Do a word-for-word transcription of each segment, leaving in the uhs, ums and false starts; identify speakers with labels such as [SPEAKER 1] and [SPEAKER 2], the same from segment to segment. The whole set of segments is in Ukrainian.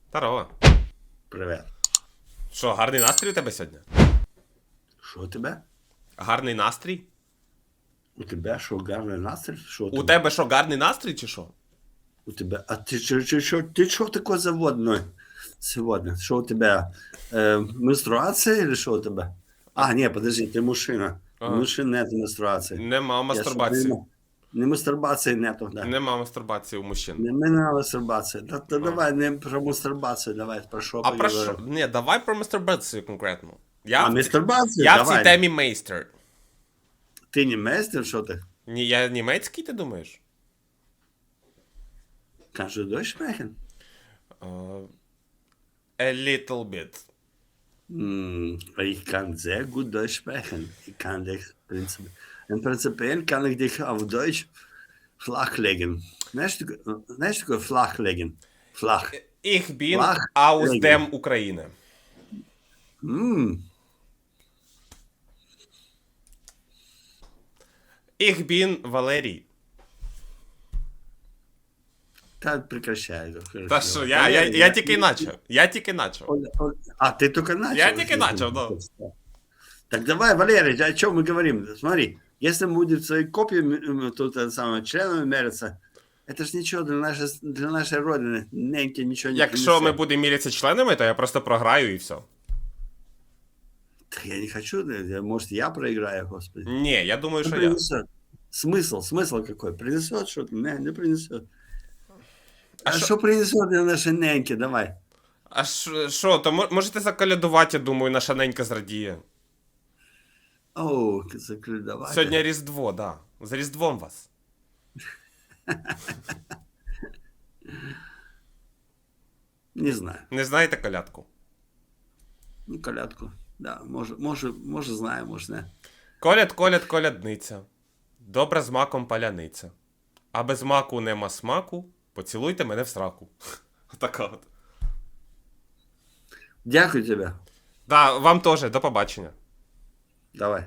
[SPEAKER 1] Здорово.
[SPEAKER 2] Привет.
[SPEAKER 1] Що, гарний настрій у тебе сьогодні?
[SPEAKER 2] Що у тебе?
[SPEAKER 1] Гарний настрій?
[SPEAKER 2] У тебе що, гарний настрій? Що
[SPEAKER 1] У тебе що, гарний настрій чи що?
[SPEAKER 2] У тебе? А ти що, що, що, ти що такой заводной сегодня? Що у тебе? Э, менструация или що у тебе? А, ні, подожди, ти мужчина.
[SPEAKER 1] Ага.
[SPEAKER 2] У мужчин нет менструації.
[SPEAKER 1] Нема
[SPEAKER 2] Я
[SPEAKER 1] мастурбації.
[SPEAKER 2] що, не мастурбації нету, да.
[SPEAKER 1] Нема мастурбації у мужчин.
[SPEAKER 2] Не, не мастурбації. Да, да, давай не про мастурбацію, давай про що
[SPEAKER 1] А про що?
[SPEAKER 2] поговоримо.
[SPEAKER 1] Ні, давай про мастурбацію конкретно. Я,
[SPEAKER 2] А,
[SPEAKER 1] в, ці-
[SPEAKER 2] мастурбацію?
[SPEAKER 1] я в
[SPEAKER 2] Давай.
[SPEAKER 1] цій темі мейстер.
[SPEAKER 2] Ти не мейстер, що ти?
[SPEAKER 1] Ні, я німецький, ти думаєш?
[SPEAKER 2] Kannst du Deutsch sprechen?
[SPEAKER 1] Uh, a little bit.
[SPEAKER 2] Hm, ich kann sehr gut Deutsch sprechen. Ich kann dich prinzipiell, und prinzipiell kann ich dich auf Deutsch flachlegen. Знаешь, такое- знаешь такое flachlegen? Flach.
[SPEAKER 1] Ich bin
[SPEAKER 2] Flach
[SPEAKER 1] aus
[SPEAKER 2] legen.
[SPEAKER 1] dem України.
[SPEAKER 2] М,
[SPEAKER 1] Ich bin Валерій.
[SPEAKER 2] Та прекращай. хорошо.
[SPEAKER 1] Та що, я, я, я тільки начав. Я тільки начав.
[SPEAKER 2] Оля, Оля, А, ты только начал?
[SPEAKER 1] Я только начал, да.
[SPEAKER 2] Так давай, Валерий, о чем мы говорим? Смотри, если мы будем свои копии м, тут это самое, членами мериться, это ж ничего для нашей, для нашей родины, неньки ничего не
[SPEAKER 1] Якщо ми
[SPEAKER 2] принесет.
[SPEAKER 1] будемо мірятися членами, то я просто програю і все.
[SPEAKER 2] Так я не хочу, я- может, я проиграю, господи.
[SPEAKER 1] Ні, я думаю,
[SPEAKER 2] Ну,
[SPEAKER 1] що я.
[SPEAKER 2] принесет. Смысл, смысл какой? Принесет что-то? Не, не принесет.
[SPEAKER 1] А
[SPEAKER 2] А
[SPEAKER 1] шо-
[SPEAKER 2] что принесет для нашей неньки? Давай.
[SPEAKER 1] А ш- що, то мо- можете заколядувати, я думаю, наша ненька зрадіє.
[SPEAKER 2] О, закрывай.
[SPEAKER 1] Сьогодні Різдво, да. З Різдвом вас.
[SPEAKER 2] Не знаю.
[SPEAKER 1] Не знаєте колядку?
[SPEAKER 2] Ну, колядку. Да, может, может, может знаю, может не.
[SPEAKER 1] Коляд, коляд, колядниця. Добра з маком паляниця. А без маку нема смаку, поцілуйте мене в сраку. Така от.
[SPEAKER 2] Дякую тебе.
[SPEAKER 1] Да, вам теж, до побачення.
[SPEAKER 2] Давай.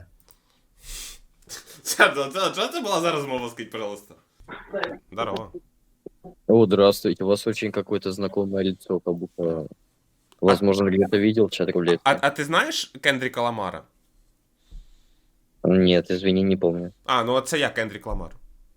[SPEAKER 1] Чого це була за розмова, скажіть, пожалуйста? Здорово.
[SPEAKER 3] О, здравствуйте. У вас очень какое-то знакомое лицо, как будто, возможно, где-то видел чат рулетки.
[SPEAKER 1] А, а ти знаєш Кендріка Ламара?
[SPEAKER 3] Нет, извини, не помню.
[SPEAKER 1] А, ну це я, Кендрік Ламар.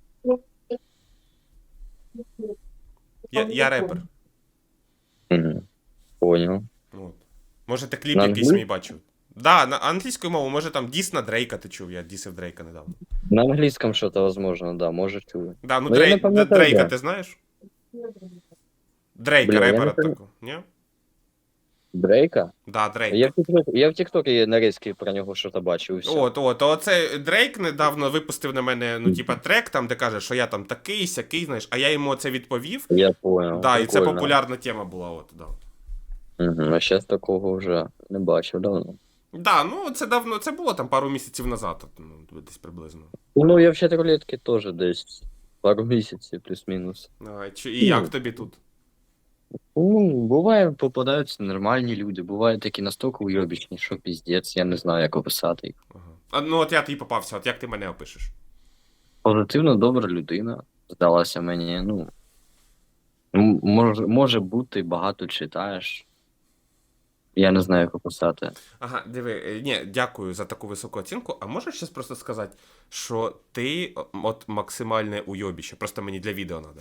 [SPEAKER 1] Я, я репер.
[SPEAKER 3] Мгм. Понял.
[SPEAKER 1] Ну, от. Може, ти кліп
[SPEAKER 3] На
[SPEAKER 1] якийсь
[SPEAKER 3] англі-
[SPEAKER 1] мій бачив? Да, на англійською мовою, може там діс на Дрейка ти чув, я дісив Дрейка недавно.
[SPEAKER 3] На английском что-то, возможно, да, может, чую.
[SPEAKER 1] Да, ну
[SPEAKER 3] Ну, я
[SPEAKER 1] Дрей...
[SPEAKER 3] не пам'ятаю,
[SPEAKER 1] Дрейка
[SPEAKER 3] де.
[SPEAKER 1] ти знаєш? Дрейка,
[SPEAKER 3] Блін, я
[SPEAKER 1] репера
[SPEAKER 3] не пам'ятаю.
[SPEAKER 1] такого, ні?
[SPEAKER 3] Дрейка?
[SPEAKER 1] Да, Дрейк.
[SPEAKER 3] Я в TikTok, я в TikTok нарізки про нього що-то бачив, і все.
[SPEAKER 1] От, от, оце Дрейк недавно випустив на мене, ну, типа, трек, там, де каже, що я там такий, сякий, знаєш, а я йому це відповів.
[SPEAKER 3] Я понял.
[SPEAKER 1] Да, і це
[SPEAKER 3] прикольно.
[SPEAKER 1] популярна тема була, от, да.
[SPEAKER 3] Мгм. А зараз такого вже не бачив давно.
[SPEAKER 1] Да, ну це давно, це було там пару місяців назад, от, ну, десь приблизно.
[SPEAKER 3] Ну, я в чат рулетки теж десь пару місяців, плюс-мінус.
[SPEAKER 1] А, чи, і як тобі тут?
[SPEAKER 3] Ну, буває, попадаються нормальні люди, бувають такі настільки уйобічні, що піздець, я не знаю, як описати їх.
[SPEAKER 1] Ага. А, ну от я тобі попався, от як ти мене опишеш?
[SPEAKER 3] Позитивно добра людина, здалася мені, ну. м- Може, може бути, багато читаєш. Я не знаю, як описати.
[SPEAKER 1] Ага, диви, е, ні, дякую за таку високу оцінку. А можеш щас просто сказати, що ти о, от максимальне уйобіще, просто мені для відео треба.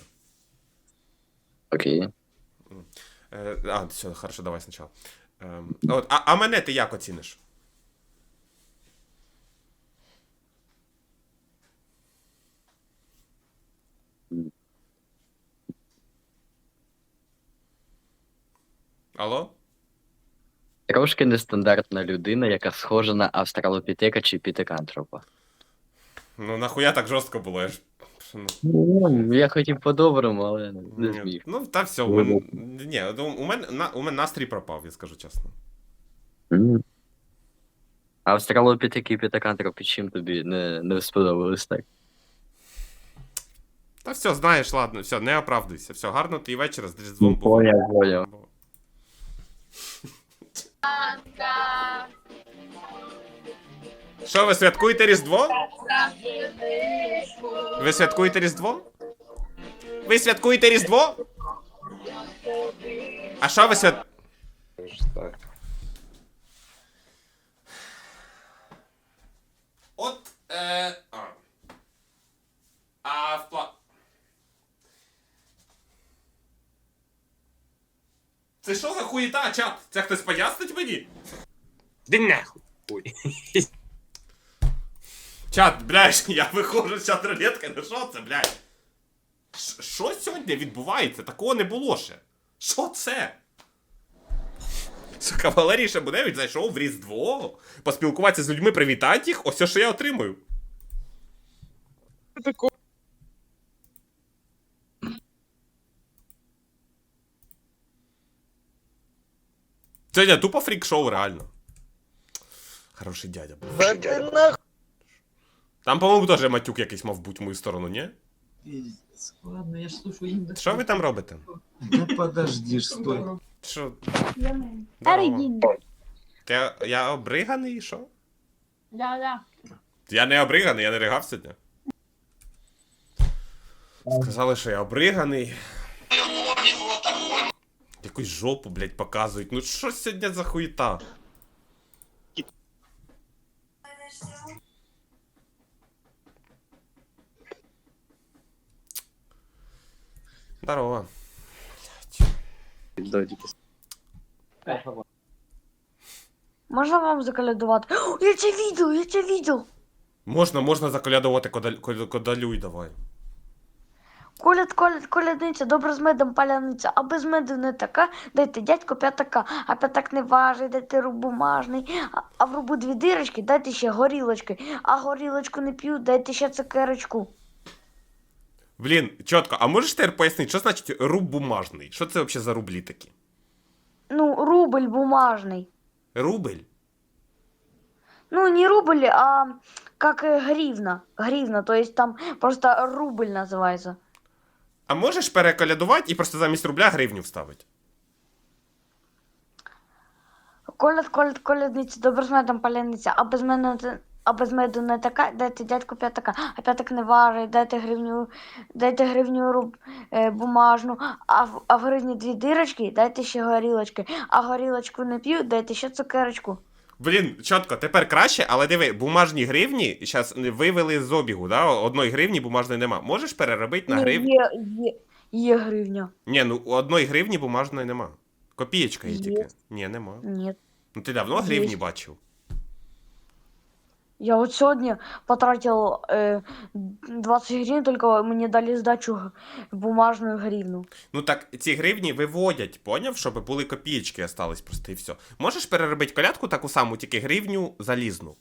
[SPEAKER 3] Окей.
[SPEAKER 1] Е, а, все, хорошо, давай спочатку. Е, от, а, а мене ти як оціниш? Алло?
[SPEAKER 3] Трошки нестандартна людина, яка схожа на австралопітека чи пітекантропа.
[SPEAKER 1] Ну нахуя так жорстко було, я ж. Ну,
[SPEAKER 3] Ну, я хотів по-доброму, але не
[SPEAKER 1] ні.
[SPEAKER 3] зміг.
[SPEAKER 1] Ну, та все, у мене. Ні, от у у мене, на, у мене настрій пропав, я скажу чесно.
[SPEAKER 3] М. Австралопітеки і пітекантропи чим тобі не, не сподобались так?
[SPEAKER 1] Та все, знаєш, ладно, все, не оправдуйся. Все, гарно твій вечір з Різдвом був.
[SPEAKER 3] Поняв, поняв.
[SPEAKER 1] Що, ви святкуєте Різдво? Ви святкуєте Різдво? Ви святкуєте Різдво? А що ви свят...
[SPEAKER 4] Так.
[SPEAKER 1] От, е... А, а в пла... Це що за хуєта, чат? Це хтось пояснить мені?
[SPEAKER 4] Да нахуй. Ой.
[SPEAKER 1] Чат, блядь, я виходжу з чат рулетки, ну що це, блядь? Ш- Що сьогодні відбувається? Такого не було ще. Що це? Сука, Валерій Шабуневич зайшов в Різдво, поспілкуватися з людьми, привітати їх, ось що я отримую. Сьогодні тупо фрік-шоу, реально. Хороший дядя був. Там, по-моєму, теж матюк якийсь мав бути в мою сторону, ні?
[SPEAKER 5] Пиздец. Ладно, я ж слушаю Индекс.
[SPEAKER 1] Що ви там робите?
[SPEAKER 5] Да подожди, стой.
[SPEAKER 1] Що?
[SPEAKER 6] Старий
[SPEAKER 1] Здорово.
[SPEAKER 6] дід.
[SPEAKER 1] Я, я обриганий, що?
[SPEAKER 6] Да, да.
[SPEAKER 1] Я не обриганий, я не ригав сьогодні. Сказали, що я обриганий. Якусь жопу, блядь, показують. Ну що сьогодні за хуєта? Здорово.
[SPEAKER 3] Додіки.
[SPEAKER 6] Можна вам заколядувати? О, я це видел, я це видел.
[SPEAKER 1] Можна, можна заколядувати кодаль, код- кодалюй, давай.
[SPEAKER 6] Коляд, коляд, колядниця, добре з медом паляниця, а без меду не така, дайте дядько п'ятака, а п'ятак не важий, дайте руб бумажний, а, а в рубу дві дирочки, дайте ще горілочки, а горілочку не п'ю, дайте ще цукерочку.
[SPEAKER 1] Блін, чітко, а можеш тепер пояснити, що значить руб бумажний? Що це взагалі за рублі такі?
[SPEAKER 6] Ну, рубль бумажний.
[SPEAKER 1] Рубль?
[SPEAKER 6] Ну, не рубль, а как э, гривна. Гривна, то есть там просто рубль называется.
[SPEAKER 1] А можеш переколядувати і просто замість рубля гривню вставити?
[SPEAKER 6] Коляд, коляд, колядниця, добре з медом паляниця, а без мене не- а без меду не така, дайте дядьку п'ятака, а п'ятак не важить, дайте гривню, дайте гривню руб, е, бумажну, а в, а в гривні дві дирочки, дайте ще горілочки, а горілочку не п'ю, дайте ще цукерочку.
[SPEAKER 1] Блін, чітко, тепер краще, але диви, бумажні гривні зараз вивели з обігу, да? Одної гривні бумажної нема. Можеш переробити на
[SPEAKER 6] Ні,
[SPEAKER 1] гривню?
[SPEAKER 6] Є, є, є гривня.
[SPEAKER 1] Ні, ну одної гривні бумажної нема. Копієчка є
[SPEAKER 6] Є.
[SPEAKER 1] тільки. Ні, нема.
[SPEAKER 6] Ні.
[SPEAKER 1] Ну ти давно
[SPEAKER 6] Є.
[SPEAKER 1] гривні бачив?
[SPEAKER 6] Я вот сегодня потратил э, двадцать гривен, только мне дали сдачу г- бумажную гривну.
[SPEAKER 1] Ну так ці гривні виводять, поняв, щоб були копієчки остались просто і все. Можеш переробити колядку таку саму, тільки гривню залізну.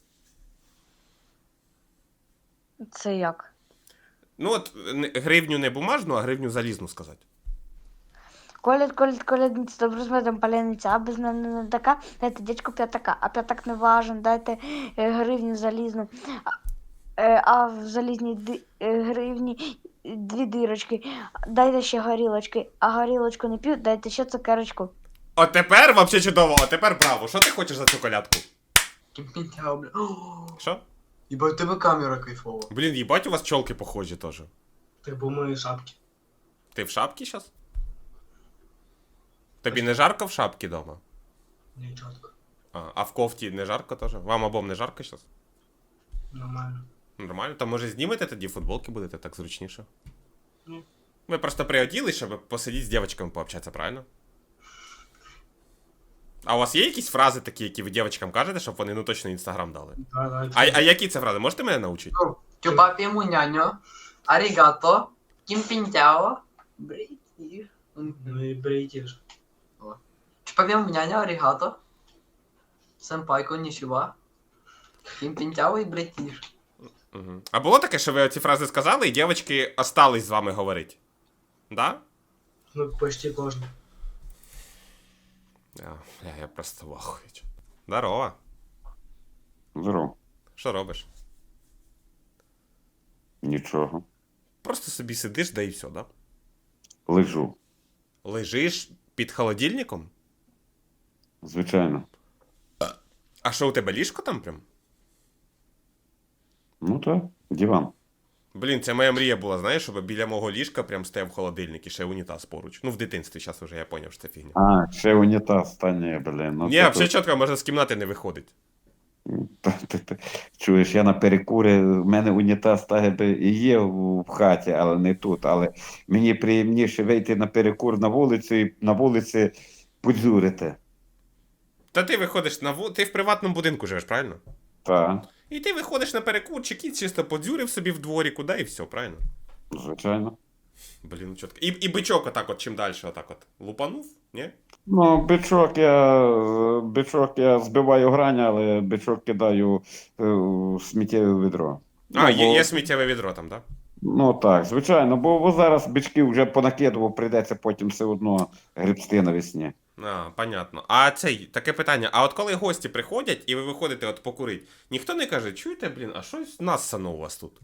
[SPEAKER 6] Це як?
[SPEAKER 1] Ну от не- гривню не бумажну, а гривню залізну сказати.
[SPEAKER 6] Коляд, коляд, колядниця, добре з медом паляниця, а без мене не така, дайте дядьку п'ятака, а п'ятак не важен, дайте е, гривню залізну, а, е, а в залізній ди, е, гривні дві дирочки, дайте ще горілочки, а горілочку не п'ю, дайте ще цукерочку.
[SPEAKER 1] От тепер вообще чудово, а тепер браво. Що ти хочеш за цю колядку?
[SPEAKER 5] Кимпинтяо, бля. О,
[SPEAKER 1] Що?
[SPEAKER 5] ебать, тебе камера кайфова.
[SPEAKER 1] Блін, їбать, у вас чолки похожі теж.
[SPEAKER 5] Ты был в моей шапке.
[SPEAKER 1] Ти в шапці зараз? Тобі не жарко в шапці дома?
[SPEAKER 5] Не, четко.
[SPEAKER 1] А, а в кофті не жарко теж? Вам обом не жарко зараз?
[SPEAKER 5] Нормально.
[SPEAKER 1] Нормально, то може знімете тоді футболки будете так зручніше.
[SPEAKER 5] Ні.
[SPEAKER 1] Ви просто приоділи, щоб посидіти з дівчатками пообщатися, правильно? А у вас є якісь фрази такі, які ви дівчаткам кажете, щоб вони ну точно інстаграм дали?
[SPEAKER 5] Да, да.
[SPEAKER 1] А, а які це фрази? Можете мене навчити?
[SPEAKER 7] Чупапі муняньо, арігато, кімпінтяо, брейті.
[SPEAKER 5] Ну и бритиш.
[SPEAKER 7] Чупапі муняньо, арігато, сенпай коннічува, кімпінтяо і брейтіш.
[SPEAKER 1] Угу. А було таке, що ви ці фрази сказали, і дівчатки остались з вами говорити? Да?
[SPEAKER 5] Ну, почти кожен.
[SPEAKER 1] Я, я, я просто в ахуї. Здорово.
[SPEAKER 8] Здорово.
[SPEAKER 1] Що робиш?
[SPEAKER 8] Нічого.
[SPEAKER 1] Просто собі сидиш, да і все, да?
[SPEAKER 8] Лежу.
[SPEAKER 1] Лежиш під холодильником?
[SPEAKER 8] Звичайно.
[SPEAKER 1] А що у тебе ліжко там прям?
[SPEAKER 8] Ну так, диван.
[SPEAKER 1] Блін, це моя мрія була, знаєш, щоб біля мого ліжка прям стояв холодильник і ще унітаз поруч. Ну, в дитинстві, зараз вже я поняв, що це фігня.
[SPEAKER 8] А, ще унітаз, та ні, блін. Ну,
[SPEAKER 1] Ні,
[SPEAKER 8] це
[SPEAKER 1] взагалі чітко, можна з кімнати не виходить.
[SPEAKER 8] Та ти- ти чуєш, я на перекурі, в мене унітаз так би і є в хаті, але не тут. Але мені приємніше вийти на перекур на вулицю і на вулиці подзюрити.
[SPEAKER 1] Та ти виходиш на ву... ти в приватному будинку живеш, правильно?
[SPEAKER 8] Так,
[SPEAKER 1] І ти виходиш на перекурчик і чисто подзюрив собі в дворі, куди і все, правильно?
[SPEAKER 8] звичайно.
[SPEAKER 1] Блін, ну чітко. І, і бичок отак от, чим далі, отак от. Лупанув, ні?
[SPEAKER 8] Ну, бичок я, бичок я збиваю грань, але бичок кидаю е, в сміттєве відро.
[SPEAKER 1] А,
[SPEAKER 8] Ну,
[SPEAKER 1] є,
[SPEAKER 8] бо-
[SPEAKER 1] є сміттєве відро там, так?
[SPEAKER 8] Ну так, звичайно, бо, бо зараз бичків вже понакидував, прийдеться потім все одно гребсти навесні.
[SPEAKER 1] А, понятно. А цей, таке питання, а от коли гості приходять і ви виходите от покурити, ніхто не каже, чуєте, блін, а щось нассано у вас тут?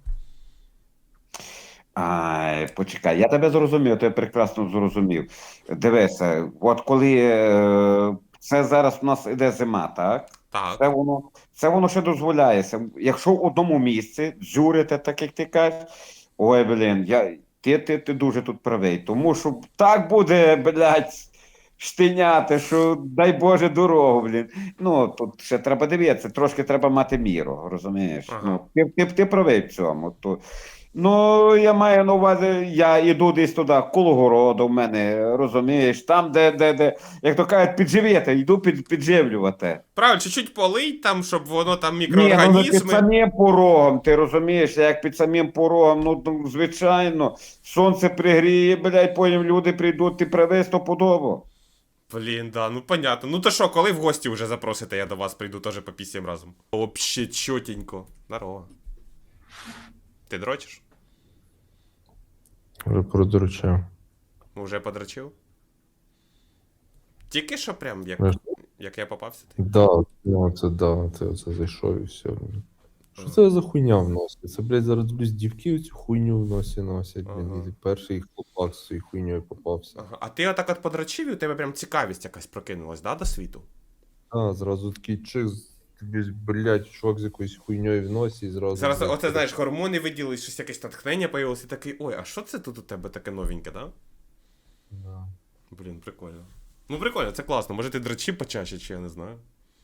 [SPEAKER 8] Ай, почекай, я тебе зрозумів, ти прекрасно зрозумів. Дивися, от коли е, це зараз у нас іде зима, так?
[SPEAKER 1] Так.
[SPEAKER 8] Це воно, це воно ще дозволяється. Якщо в одному місці дзюрити, так як ти кажеш, ой, блін, я, ти, ти, ти дуже тут правий. Тому що так буде, блядь, штиняти, що дай Боже дорогу, блін. Ну, тут ще треба дивитися, трошки треба мати міру, розумієш?
[SPEAKER 1] Ага.
[SPEAKER 8] Ну, ти, ти, ти правий в цьому. То, ну, я маю на увазі, я йду десь туди, коло городу в мене, розумієш, там, де, де, де, як то кажуть, підживити, йду під, підживлювати.
[SPEAKER 1] Правильно, чуть-чуть полий там, щоб воно там
[SPEAKER 8] Ні, ну не під
[SPEAKER 1] мікроорганізми.
[SPEAKER 8] самим порогом, ти розумієш, як під самим порогом, ну, ну звичайно, сонце пригріє, блядь, потім люди прийдуть, ти правий стопудово.
[SPEAKER 1] Блін, да, ну понятно. Ну то що, коли в гості вже запросите, я до вас прийду теж по пісім разом. Вообще чотенько. Здорово. Ти дрочиш?
[SPEAKER 9] Вже продручав.
[SPEAKER 1] Уже подрочив? Тільки що прям, як,
[SPEAKER 9] Знаєш,
[SPEAKER 1] як я попався? Ти?
[SPEAKER 9] Да, ну це да, це оце зайшов і все. Що це за хуйня в носі? Це, блядь, зараз дивлюсь, дівки цю хуйню в носі носять, блін.
[SPEAKER 1] Ага.
[SPEAKER 9] І перший хлопак з цією хуйньою попався.
[SPEAKER 1] Ага. А ти отак от подрочив і у тебе прям цікавість якась прокинулась, да, до світу?
[SPEAKER 9] А, зразу такий чик, тобі, блядь, чувак з якоюсь хуйньою в носі і зразу.
[SPEAKER 1] Зараз,
[SPEAKER 9] блядь,
[SPEAKER 1] оце, знаєш, гормони виділились, щось якесь натхнення появилось, і такий, ой, а що це тут у тебе таке новеньке, да?
[SPEAKER 9] Да.
[SPEAKER 1] Блін, прикольно. Ну прикольно, це класно. Може ти дрочив почаще, чи я не знаю.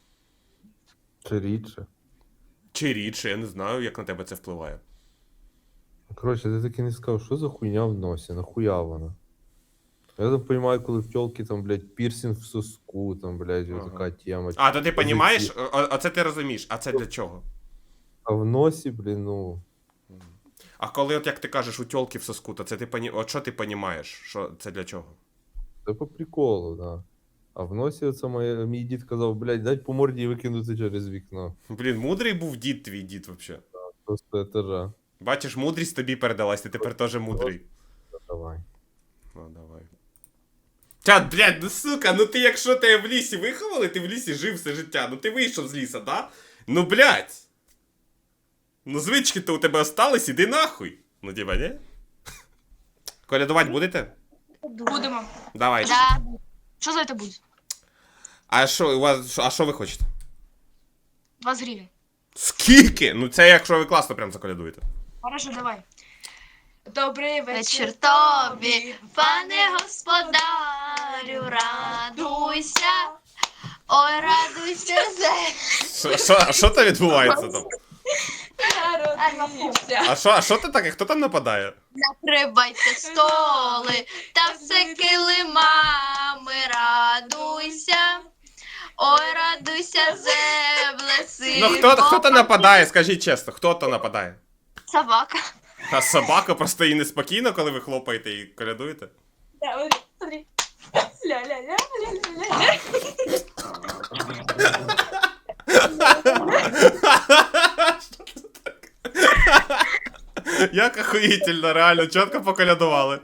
[SPEAKER 9] Чи рідше.
[SPEAKER 1] Чи рідше, я не знаю, як на тебе це впливає.
[SPEAKER 9] Коротше, ти таки не сказав, що за хуйня в носі, нахуя вона? Я там розумію, коли в тілки там, блядь, пірсинг в соску, там, блядь,
[SPEAKER 1] Ага.
[SPEAKER 9] така тема.
[SPEAKER 1] А, то ти
[SPEAKER 9] Позиції.
[SPEAKER 1] розумієш, оце ти розумієш, а це для чого?
[SPEAKER 9] А в носі, блін, ну.
[SPEAKER 1] А коли, от як ти кажеш, у тьолки в соску, то це ти поні... От що ти розумієш, що це для чого?
[SPEAKER 9] Це по приколу, да. А в носі оце моє, мій дід казав, блядь, дать по морді і викинути через вікно.
[SPEAKER 1] Блін, мудрий був дід твій дід, взагалі.
[SPEAKER 9] Просто етажа.
[SPEAKER 1] Бачиш, мудрість тобі передалась, ти тепер теж мудрий.
[SPEAKER 9] Давай.
[SPEAKER 1] Ну, давай. Чат, блядь, ну сука, ну ти якщо тебе в лісі виховали, ти в лісі жив все життя, ну ти вийшов з ліса, да? Ну, блядь. Ну звички-то у тебе остались, іди нахуй. Ну, типа, не? Колядувати будете?
[SPEAKER 10] Будемо.
[SPEAKER 1] Давай.
[SPEAKER 10] Да. Що за це буде?
[SPEAKER 1] А що у вас, а що ви хочете?
[SPEAKER 10] двадцять гривень.
[SPEAKER 1] Скільки? Ну це якщо ви класно прям заколядуєте.
[SPEAKER 10] Хорошо, давай. Добрий вечір
[SPEAKER 6] Вечір
[SPEAKER 10] тобі, пане господарю, радуйся. Ой, радуйся,
[SPEAKER 1] Що- Що, а що там відбувається там?
[SPEAKER 10] народився.
[SPEAKER 1] А що, а що ти таке? Хто там нападає?
[SPEAKER 10] Накривайте столи, та все килимами, радуйся. Ой, радуйся, земле, син.
[SPEAKER 1] Ну хто, хто то нападає, скажіть чесно, хто то нападає?
[SPEAKER 10] Собака.
[SPEAKER 1] А собака просто їй неспокійно, коли ви хлопаєте і колядуєте?
[SPEAKER 10] Да, смотри, смотри. Ля-ля-ля-ля-ля-ля.
[SPEAKER 1] Як охуїтельно, реально, чітко поколядували.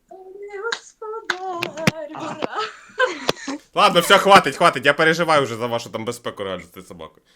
[SPEAKER 10] Господарю, ура.
[SPEAKER 1] Ладно, все, хватить, хватить, я переживаю вже за вашу там безпеку реально з цією собакою.